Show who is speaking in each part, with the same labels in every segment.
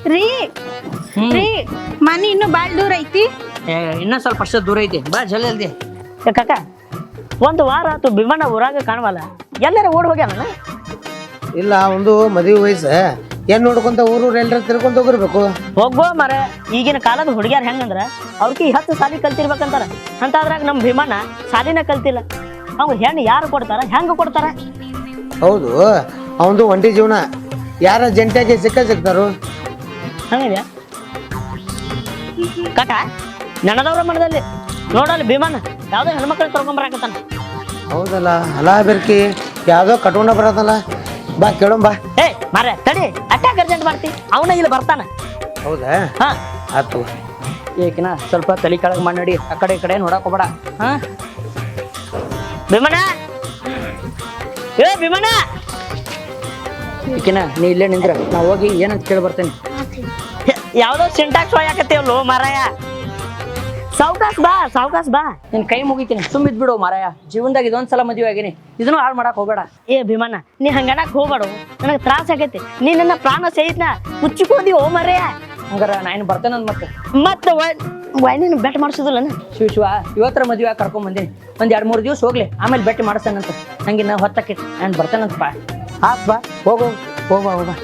Speaker 1: ರೀ ರೀ ಮನಿ ಇನ್ನು ಬಾಳ್ ದೂರ ಐತಿ.
Speaker 2: ಇನ್ನೂ ಸ್ವಲ್ಪ ಅಷ್ಟು ದೂರ ಐತಿ, ಬಾ ಜಲ್ದಿ.
Speaker 3: ಕಾಕ ಒಂದು ವಾರ ಆತು ಭೀಮಣ್ಣ ಊರಾಗ ಕಾಣವಲ್ಲ, ಎಲ್ಲಾರ ಓಡ್ ಹೋಗ್ಯಾನ?
Speaker 4: ಇಲ್ಲ ಒಂದು ಮದುವೆ ವಯಸ್ಸ ಏನ್ ನೋಡ್ಕೊಂತ ಊರೂರು ಎಲ್ಲರ ತಿರ್ಕೊಂತ ಹೋಗಿರ್ಬೇಕು.
Speaker 3: ಹೋಗ್ಬೋ ಮರ, ಈಗಿನ ಕಾಲದ ಹುಡುಗ್ಯಾರ ಹೆಂಗಂದ್ರ ಅವ್ರಿಗೆ 10 ಸಾಲಿ ಕಲ್ತಿರ್ಬೇಕಂತಾರ. ಅಂತದ್ರಾಗ ನಮ್ ಭೀಮಣ್ಣ ಸಾಲಿನ ಕಲ್ತಿಲ್ಲ. ಅವ್ರು ಹೆಣ್ಣು ಯಾರು ಕೊಡ್ತಾರ, ಹೆಂಗ ಕೊಡ್ತಾರ?
Speaker 4: ಹೌದು, ಅವಂದು ಒಂಟಿ ಜೀವನ, ಯಾರ ಜಂಟಿಯಾಗಿ ಸಿಗ್ತಾರು.
Speaker 3: ಹಂಗಿದ್ಯಾ ಕಾಕ? ನೆನದವ್ರ ಮನದಲ್ಲಿ ನೋಡಲ್ಲಿ ಭೀಮಣ್ಣ ಯಾವ್ದೋ ಹೆಣ್ಮಕ್ಳು ತೊಳ್ಕೊಂಬರಾಕತ್ತಾನ.
Speaker 4: ಹೌದಲ್ಲ, ಅಲಾ ಬೆರ್ಕಿ ಯಾವ್ದೋ ಕಟ್ಕೊಂಡ ಬರತ್ತಲ್ಲ, ಬಾ ಕೇಳೋಣ ಬಾ.
Speaker 3: ಏ ಮಾರ್ರೆ ತಡಿ, ಅಟ್ಯಾಕ್ ಅರ್ಜೆಂಟ್ ಮಾಡ್ತಿ, ಅವನ ಇಲ್ಲಿ ಬರ್ತಾನ.
Speaker 4: ಹೌದಾ?
Speaker 3: ಹಾ
Speaker 4: ಆತು.
Speaker 3: ಏಕಿನ ಸ್ವಲ್ಪ ತಲೆ ಕೆಳಗೆ ಮಾಡಿ ಆ ಕಡೆ ಈ ಕಡೆ ನೋಡಕ್ ಹೋಗ್ಬೇಡ. ಹಾ ಭೀಮಣ್ಣ, ಏ ಭೀಮಣ್ಣ,
Speaker 2: ಈಕಿನ ನೀ ಇಲ್ಲೇ ನಿಂದ್ರ, ನಾ ಹೋಗಿ ಏನಂತ ಕೇಳಿ ಬರ್ತೇನೆ.
Speaker 3: ಯಾವ್ದೋ ಸಿಂಟಾಕ್ಸ್ ಒಯ್ಯಾಕತ್ತೇವಲ್ಲೋ ಮಾರಾಯ. ಸಾವ್ಕಾಸ್ ಬಾ, ಸಾವ್ಕಾಸ್ ಬಾ.
Speaker 2: ನಿನ್ ಕೈ ಮುಗಿತೀನಿ, ಸುಮ್ಮಿದ್ ಬಿಡು ಮಾರಾಯ. ಜೀವನದಾಗ ಇದೊಂದ್ಸಲ ಮದುವೆ ಆಗೀನಿ, ಇದನ್ನು ಹಾಳು ಮಾಡಕ್ ಹೋಗ್ಬೇಡ.
Speaker 3: ಏ ಭೀಮಣ್ಣ, ನೀ ಹಂಗಡಕ್ ಹೋಗ್ಬೇಡು, ನನಗೆ ತ್ರಾಸ ಆಗೈತಿ. ನೀ ನನ್ನ ಪ್ರಾಣ ಸಹಿತನ ಮುಚ್ಚಿಕೊಂಡಿ ಓ ಮಾರಾಯ.
Speaker 2: ಹಂಗಾರ ನಾನು ಬರ್ತೇನೆ
Speaker 3: ಮತ್ತೆ ವೈನಿನ ಬೆಟ್ ಮಾಡಿಸೋದಿಲ್ಲ.
Speaker 2: ಶಿವ ಇವತ್ತರ ಮದುವೆ ಕರ್ಕೊಂಡ್ ಬಂದೀನಿ, ಒಂದ್ 2-3 ದಿವಸ ಹೋಗ್ಲಿ, ಆಮೇಲೆ ಬೆಟ್ಟಿ ಮಾಡಿಸ್ತೇನಂತ. ಹಂಗೆ ನಾ ಹೊತ್ತಕ್ಕೆ ನಾನು ಬರ್ತೇನಂತಪ್ಪ.
Speaker 4: ಆತ್ ಬಾ, ಹೋಗು ಹೋಗ.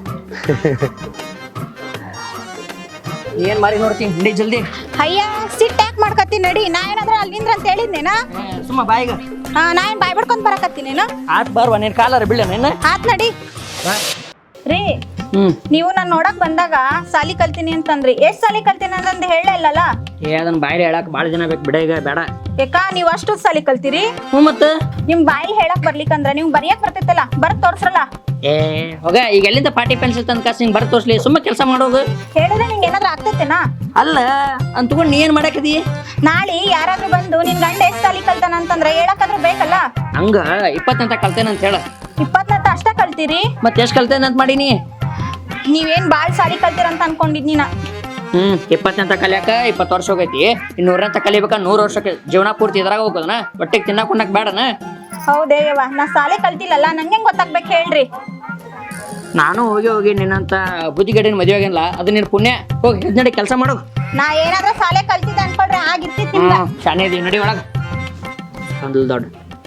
Speaker 2: ಏನ್ ಮಾರಿ ನೋಡ್ತೀನಿ, ನಡಿ ಜಲ್ದಿ.
Speaker 1: ಅಯ್ಯ ಸಿಟ್ ಯಾಕೆ ಮಾಡ್ಕತ್ತಿ, ನಡಿ. ನಾ ಏನಾದ್ರ ಅಲ್ಲಿಂದ್ರ ಅಂತ ಹೇಳಿದ್ನೇನ?
Speaker 2: ಸುಮ್ಮ ಬಾಯಿಗ.
Speaker 1: ನಾ ಏನ್ ಬಾಯ್ ಬಿಡ್ಕೊಂಡ್ ಬರಕತ್ತೀನೇನ?
Speaker 2: ಆತ್ ಬಾರ್ವ, ನೀನ್ ಕಾಲಾರ ಬೀಳ ನಿನ್ನ.
Speaker 1: ಆತ್ ನಡಿ. ರೀ ನೀವು ನಾನ್ ನೋಡಕ್ ಬಂದಾಗ ಸಾಲಿ ಕಲ್ತೀನಿ ಅಂತಂದ್ರಿ, ಎಷ್ಟ್ ಸಾಲಿ ಕಲ್ತೀನಿ ಅಂತಂದ್ ಹೇಳೇ ಇಲ್ಲಲ್ಲ?
Speaker 2: ಅದನ್ನ ಬಾಯಿಲೆ ಹೇಳಕ್ ಬಾಳ ಜನ ಬೇಕು, ಬಿಡ ಈಗ ಬೇಡ.
Speaker 1: ಯಾಕ ನೀವ್ ಅಷ್ಟು ಸಾಲಿ ಕಲ್ತೀರಿ?
Speaker 2: ಮತ್ತ
Speaker 1: ನಿಮ್ ಬಾಯಿ ಹೇಳಕ್ ಬರ್ಲಿಕ್ಕಂದ್ರ ನೀವ್ ಬರಿಯಕ್ ಬರ್ತೈತಲ್ಲ, ಬರ್ದ್ ತೋರ್ಸ್ರಲ್ಲ.
Speaker 2: ಹೋಗ, ಈಗ ಎಲ್ಲಿಂದ ಪಾಟಿ ಪೆನ್ಸಿಲ್ ತಂದ ಕಾಸು ಹಿಂಗ್ ಬರ್ ತೋರ್ಸ್ಲಿ, ಸುಮ್ಮ ಕೆಲಸ ಮಾಡೋದು.
Speaker 1: ಹೇಳಿದ್ರೆ ನಿಂಗೆ ಏನಾದ್ರೂ ಆಗ್ತೈತೆನಾ?
Speaker 2: ಅಲ್ಲ ಅಂತ ತಗೊಂಡ್ ನೀ ಏನ್ ಮಾಡಾಕದಿ?
Speaker 1: ನಾಳೆ ಯಾರಾದ್ರೂ ಬಂದು ನಿನ್ ಗಂಡ ಎಷ್ಟ್ ಸಾಲಿ ಕಲ್ತಾನ ಅಂತಂದ್ರ ಹೇಳಕ್ಕಾದ್ರೂ ಬೇಕಲ್ಲ?
Speaker 2: ಹಂಗ 20 ಅಂತ ಕಲ್ತೇನೆ ಅಂತ ಹೇಳ.
Speaker 1: 20 ಅಷ್ಟ ಕಲ್ತೀರಿ?
Speaker 2: ಮತ್ತೆ ಎಷ್ಟ್ ಕಲ್ತೇನೆ ಅಂತ ಮಾಡೀನಿ?
Speaker 1: ನೀವೇನ್ ಬಾಳ್ ಸಾಲಿ ಕಲ್ತೀರಂತ ಅನ್ಕೊಂಡಿದ್ನಿ ನಾ.
Speaker 2: 20 ಅಂತ ಕಲಿಯಾಕ 20 ವರ್ಷ ಹೋಗೈತಿ. 100 ಅಂತ ಕಲಿಬೇಕ 100 ವರ್ಷಕ್ಕೆ. ಜೀವನ ಪೂರ್ತಿ ಇದ್ರಾಗ ಹೋಗೋದನ, ಹೊಟ್ಟೆಗೆ ತಿನ್ನಾಕ ಉಣ್ಣಾಕ ಬೇಡನ?
Speaker 1: ಹೌದೇಯವ್ವ, ನಾ ಸಾಲಿ ಕಲ್ತಿಲ್ಲಲ್ಲ, ನಂಗೆ ಗೊತ್ತಾಗ್ಬೇಕು ಹೇಳ್ರಿ.
Speaker 2: ನಾನು ಹೋಗಿ ನಿನ್ನಂತ ಬುದ್ಧಿಗೇಡಿನ ಮದುವೆ ಆಗಿಲ್ಲ, ಅದು ನಿನ್ ಪುಣ್ಯ. ಹೋಗಿ ಎದ್ ನಡಿ, ಕೆಲಸ ಮಾಡು.
Speaker 1: ನಾ ಏನಾದ್ರೂ ಸಾಲೆ ಕಲ್ತಿದ್ದೆ ಅನ್ಕೊಳ್ರಿ, ಆಗಿರ್ತಿತ್ತಿಲ್ಲ.
Speaker 2: ಶಾನೆ ಇದೀವಿ, ನಡಿ ಒಳಗ. ಒಂದು ದೊಡ್ಡ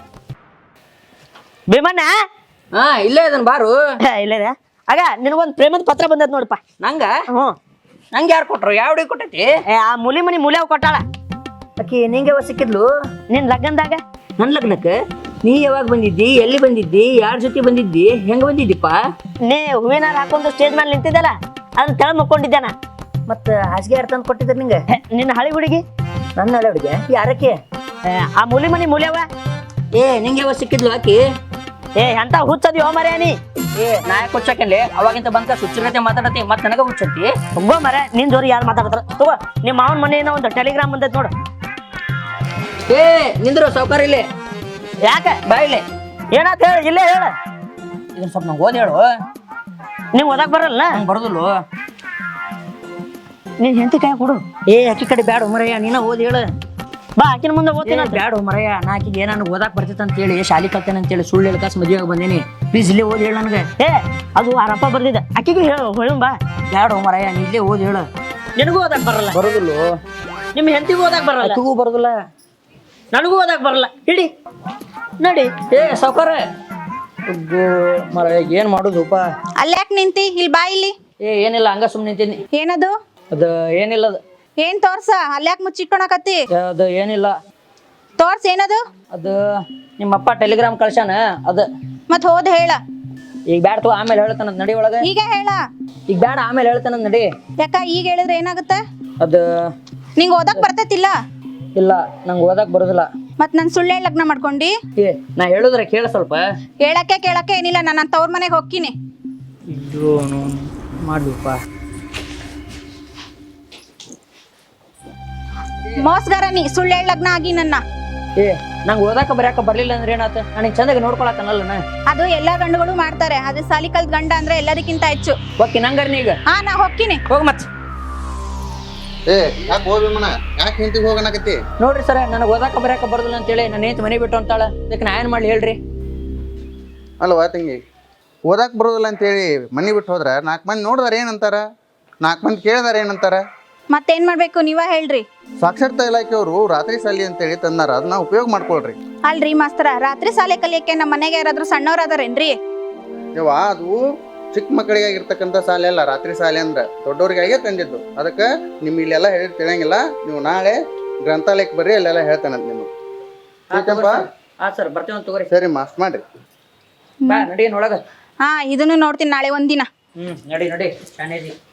Speaker 3: ಭೀಮಣ್ಣ
Speaker 2: ಇಲ್ಲೇ ಇದನ್ ಬಾರು.
Speaker 3: ಇಲ್ಲ ಆಗ ನಿನಗೊಂದು ಪ್ರೇಮದ ಪತ್ರ ಬಂದದ್ ನೋಡಪ್ಪ.
Speaker 2: ನಂಗ ನಂಗೆ ಯಾರು ಕೊಟ್ರು? ಯಾವ ಹುಡುಗಿ ಕೊಟ್ಟೈತಿ?
Speaker 3: ಆ ಮುಲಿ ಮನಿ ಮೂಲ್ಯಾವ್ ಕೊಟ್ಟಾಳ.
Speaker 2: ಆಕಿ ನಿಂಗೆ ಸಿಕ್ಕಿದ್ಲು
Speaker 3: ನಿನ್ ಲಗ್ನದಾಗ.
Speaker 2: ನನ್ ಲಗ್ನಕ್ಕೆ ನೀ ಯಾವಾಗ ಬಂದಿದ್ದಿ? ಎಲ್ಲಿ ಬಂದಿದ್ದಿ? ಯಾರ ಜೊತೆ ಬಂದಿದ್ದಿ? ಹೆಂಗ ಬಂದಿದ್ದಿಪ್ಪ?
Speaker 3: ನೀ ಹೂವಿನಾರ ಹಾಕೊಂಡು ಸ್ಟೇಜ್ ಮೇಲೆ ನಿಂತಿದ್ದಲ್ಲ, ಅದನ್ನ ತೆಳ ಮುಕ್ಕೊಂಡಿದ್ದಾನ.
Speaker 2: ಮತ್ತ ಹಾಸಿಗೆ ಯಾರು ತಂದು ಕೊಟ್ಟಿದ್ರು ನಿಂಗೆ?
Speaker 3: ನಿನ್ನ ಹಳಿ ಹುಡುಗಿ.
Speaker 2: ನನ್ನ ಹಳೆ ಹುಡುಗಿ? ಯಾರಕ್ಕೆ?
Speaker 3: ಆ ಮುಲಿ ಮನಿ ಮೂಲ್ಯವ.
Speaker 2: ನಿಂಗೆ ಯಾವಾಗ ಸಿಕ್ಕಿದ್ಲು ಆಕಿ?
Speaker 3: ಎಂತ ಹುಚ್ಚದಿ ಹೋ ಮರ್ಯಾ ನೀ.
Speaker 2: ನಾಯಕ ಹುಚ್ಚಾಕಲ್ಲಿ ಅವಾಗಿಂತ ಬಂದ ಸುಚ್ಚಿರತೆ ಮಾತಾಡತಿ, ಮತ್ ನನಗ ಹುಚ್ಚತಿ.
Speaker 3: ಹೋಗೋ ಮರ, ನಿನ್ ಜೋರಿ ಯಾರು ಮಾತಾಡ್ತಾರ? ತಗೋ, ನಿಮ್ಮ ಮಾವನ ಮನೆಯಿಂದ ಒಂದು ಟೆಲಿಗ್ರಾಮ್ ಬಂದೈತ್ ನೋಡು.
Speaker 2: ನಿಂದ್ರು ಸೌಕರ್ಯ ಇಲ್ಲಿ.
Speaker 3: ಯಾಕೆ
Speaker 2: ಬಾಯಿಲೆ
Speaker 3: ಏನಾತ್ ಹೇಳ, ಇಲ್ಲೇ ಹೇಳ.
Speaker 2: ಇದನ್ನ ಸ್ವಲ್ಪ ನಂಗೆ ಓದಿ ಹೇಳು.
Speaker 3: ನೀವ್ ಓದಾಕ್ ಬರಲ್ಲ?
Speaker 2: ಬರೋದಿಲ್ಲ.
Speaker 3: ನೀನ್ ಹೆಂಡತಿ ಕೈ ಕೊಡು.
Speaker 2: ಅಕ್ಕಿ ಕಡೆ ಬ್ಯಾಡ ಮರಯ್ಯ, ನೀನ ಓದಿ ಹೇಳು.
Speaker 3: ಬಾ, ಆಕಿನ ಮುಂದೆ ಓದ್ತೀನಿ.
Speaker 2: ಬ್ಯಾಡ ಮರಯ್ಯ, ನಾ ಆಕಿಗೆ ಏನಾನು ಓದಾಕ್ ಬರ್ತೈತೆ ಅಂತ ಹೇಳಿ ಶಾಲಿ ಕಲ್ತೇನೆ ಅಂತ ಹೇಳಿ ಸುಳ್ಳು ಹೇಳ್ಕಾಸ್ ಮದುವೆ ಬಂದೇನಿ. ಪ್ಲೀಸ್ ಇಲ್ಲೇ ಓದಿ ಹೇಳು ನನಗೆ.
Speaker 3: ಅದು ಆರಪ್ಪ ಬರ್ದಿದ್ದ, ಆಕಿಗೆ ಹೇಳು. ಹೇಳು ಬಾ.
Speaker 2: ಬ್ಯಾಡ ಮರಯ್ಯ, ನೀ ಇಲ್ಲೇ ಓದಿ ಹೇಳು.
Speaker 3: ನಿನಗೂ ಓದಾಕ್ ಬರಲ್ಲ?
Speaker 2: ಬರೋದಿಲ್ಲ.
Speaker 3: ನಿಮ್ ಹೆಂಡತಿಗೂ ಓದಾಕ್ ಬರಲ್ಲ?
Speaker 2: ಅಕ್ಕಿಗೂ ಬರೋದಿಲ್ಲ,
Speaker 3: ನನಗೂ ಓದಾಕ್ ಬರಲ್ಲ. ಹಿಡಿ ನಡಿ.
Speaker 2: ಸೌಕರ ಮರಯ್ಯ, ಏನ್ ಮಾಡುದಪ್ಪ?
Speaker 1: ಅಲ್ಯಾಕ್ ನಿಂತಿ? ಇಲ್ಲಿ ಬಾ ಇಲ್ಲಿ.
Speaker 2: ಏನಿಲ್ಲ, ಹಂಗ ಸುಮ್ಮನೆ ನಿಂತೀನಿ.
Speaker 1: ಏನದು?
Speaker 2: ಅದು ಏನಿಲ್ಲ. ಅದು
Speaker 1: ಏನ್ ತೋರ್ಸ? ಅಲ್ಯಾಕ್ ಮುಚ್ಚಿಟ್ಕೊಳಕತ್ತಿ?
Speaker 2: ಅದು ಏನಿಲ್ಲ.
Speaker 1: ತೋರ್ಸ್ ಏನದು?
Speaker 2: ಅದು ನಿಮ್ಮಪ್ಪ ಟೆಲಿಗ್ರಾಮ್ ಕಳ್ಸಾನ, ಅದು.
Speaker 1: ಮತ್ ಹೋದ್ ಹೇಳ.
Speaker 2: ಈಗ ಬ್ಯಾಡ ತೋ, ಆಮೇಲೆ ಹೇಳ್ತಾನಂತ ನಡಿ ಒಳಗ.
Speaker 1: ಈಗ ಹೇಳ.
Speaker 2: ಈಗ ಬ್ಯಾಡ, ಆಮೇಲೆ ಹೇಳ್ತಾನಂತ ನಡಿ.
Speaker 1: ಯಾಕ ಈಗ ಹೇಳಿದ್ರೆ ಏನಾಗುತ್ತೆ?
Speaker 2: ಅದು
Speaker 1: ನಿಂಗ್ ಓದಕ್ ಬರ್ತೈತಿಲ್ಲ?
Speaker 2: ಇಲ್ಲ, ನಂಗೆ ಓದಕ್ ಬರೋದಿಲ್ಲ.
Speaker 1: ಮತ್ ನನ್ ಸುಳ್ಳು ಲಗ್ನ ಮಾಡ್ಕೊಂಡಿ?
Speaker 2: ನಾ ಹೇಳುದ್ರೆ ಕೇಳ ಸ್ವಲ್ಪ.
Speaker 1: ಕೇಳಕ್ಕೆ ಏನಿಲ್ಲ, ನಾನು ತವ್ರ ಮನೆಗೆ ಹೋಗ್ತೀನಿ.
Speaker 2: ಮಾಡ್ಬೇಕಪ್ಪ.
Speaker 1: ಮೋಸ್ಗಾರ ನೀ, ಸುಳ್ಳು ಲಗ್ನ ಆಗಿ ನನ್ನ.
Speaker 2: ನಂಗೆ ಓದಾಕ ಬರ್ಯಾಕ ಬರ್ಲಿಲ್ಲ ಅಂದ್ರೆ ಏನಾತ? ನನಗೆ ಚಂದಾಗಿ ನೋಡ್ಕೊಳಕನಲ್ಲ ನಾ.
Speaker 1: ಅದು ಎಲ್ಲಾ ಗಂಡುಗಳು ಮಾಡ್ತಾರೆ, ಅದು ಸಾಲಿ ಕಲ್ತ್ ಗಂಡ ಅಂದ್ರೆ ಎಲ್ಲದಕ್ಕಿಂತ ಹೆಚ್ಚು.
Speaker 2: ಓಕೆ, ನಂಗಾರ ಈಗ
Speaker 1: ನಾ ಹೋಗ್ತೀನಿ.
Speaker 2: ಹೋಗ ಮತ್.
Speaker 5: ಯಾಕೆ ಹೋಗ್ಬೇಮನ? ಯಾಕೆ ಹಿಂತಿಗೆ ಹೋಗನಕತ್ತಿ?
Speaker 2: ನೋಡ್ರಿ ಸರ, ನನಗೆ ಓದಾಕ ಬರ್ಯಾಕ ಬರೋದಿಲ್ಲ ಅಂತೇಳಿ ನನ್ನ ಹೆಂಡತಿ ಮನೆ ಬಿಟ್ಟು ಅಂತಾಳ. ಅದಕ್ಕೆ ನಾ ಏನ್ ಮಾಡ್ಲಿ ಹೇಳ್ರಿ?
Speaker 5: ಅಲ್ವಾ ತಂಗಿ, ಓದಾಕ್ ಬರೋದಿಲ್ಲ ಅಂತೇಳಿ ಮನೆ ಬಿಟ್ಟು ಹೋದ್ರ 4 ಮಂದಿ ನೋಡಿದಾರ ಏನಂತಾರ? 4 ಮಂದಿ ಕೇಳಿದಾರೆ ಏನಂತಾರ?
Speaker 1: ಮತ್ತೇನ್ ಮಾಡ್ಬೇಕು ನೀವ ಹೇಳ್ರಿ.
Speaker 5: ಸಾಕ್ಷರತಾ ಇಲಾಖೆಯವರು ರಾತ್ರಿ ಶಾಲೆ ಅಂತೇಳಿ ತಂದಾರ, ಅದನ್ನ ಉಪಯೋಗ ಮಾಡ್ಕೊಳ್ರಿ.
Speaker 1: ಅಲ್ರಿ ಮಾಸ್ತರ, ರಾತ್ರಿ ಶಾಲೆ ಕಲಿಯಕ್ಕೆ ನಮ್ಮ ಮನೆಗೆ ಯಾರಾದ್ರೂ ಸಣ್ಣವ್ರ ಅದಾರೇನ್ರಿ?
Speaker 5: ಯವ್ವ ಅದು ಚಿಕ್ಕ ಮಕ್ಕಳಿಗಾಗಿರ್ತಕ್ಕಂಥ ಶಾಲೆ ಅಲ್ಲ, ರಾತ್ರಿ ಶಾಲೆ ಅಂದ್ರೆ ದೊಡ್ಡವ್ರಿಗಾಗೆ ತಂದಿದ್ದು. ಅದಕ್ಕೆ ನಿಮ್ ಇಲ್ಲೆಲ್ಲ ಹೇಳಿ ತಿಳಿಯಂಗಿಲ್ಲ. ನೀವು ನಾಳೆ ಗ್ರಂಥಾಲಯಕ್ಕೆ ಬರ್ರಿ, ಅಲ್ಲೆಲ್ಲ ಹೇಳ್ತಾನಂತ ನಿಮಗೆ.
Speaker 2: ಹಾ ಸರ್ ಬರ್ತೀವಿ ತಗೋರಿ.
Speaker 5: ಸರಿ ಮಾಸ್ಟ್ ಮಾಡ್ರಿ.
Speaker 2: ಬಾ ನಡಿ ಒಳಗ.
Speaker 1: ಹಾ ಇದನ್ನು ನೋಡ್ತೀನಿ ನಾಳೆ ಒಂದಿನ.
Speaker 2: ನಡಿ ನಡಿ ಶಾಣೇದಿ.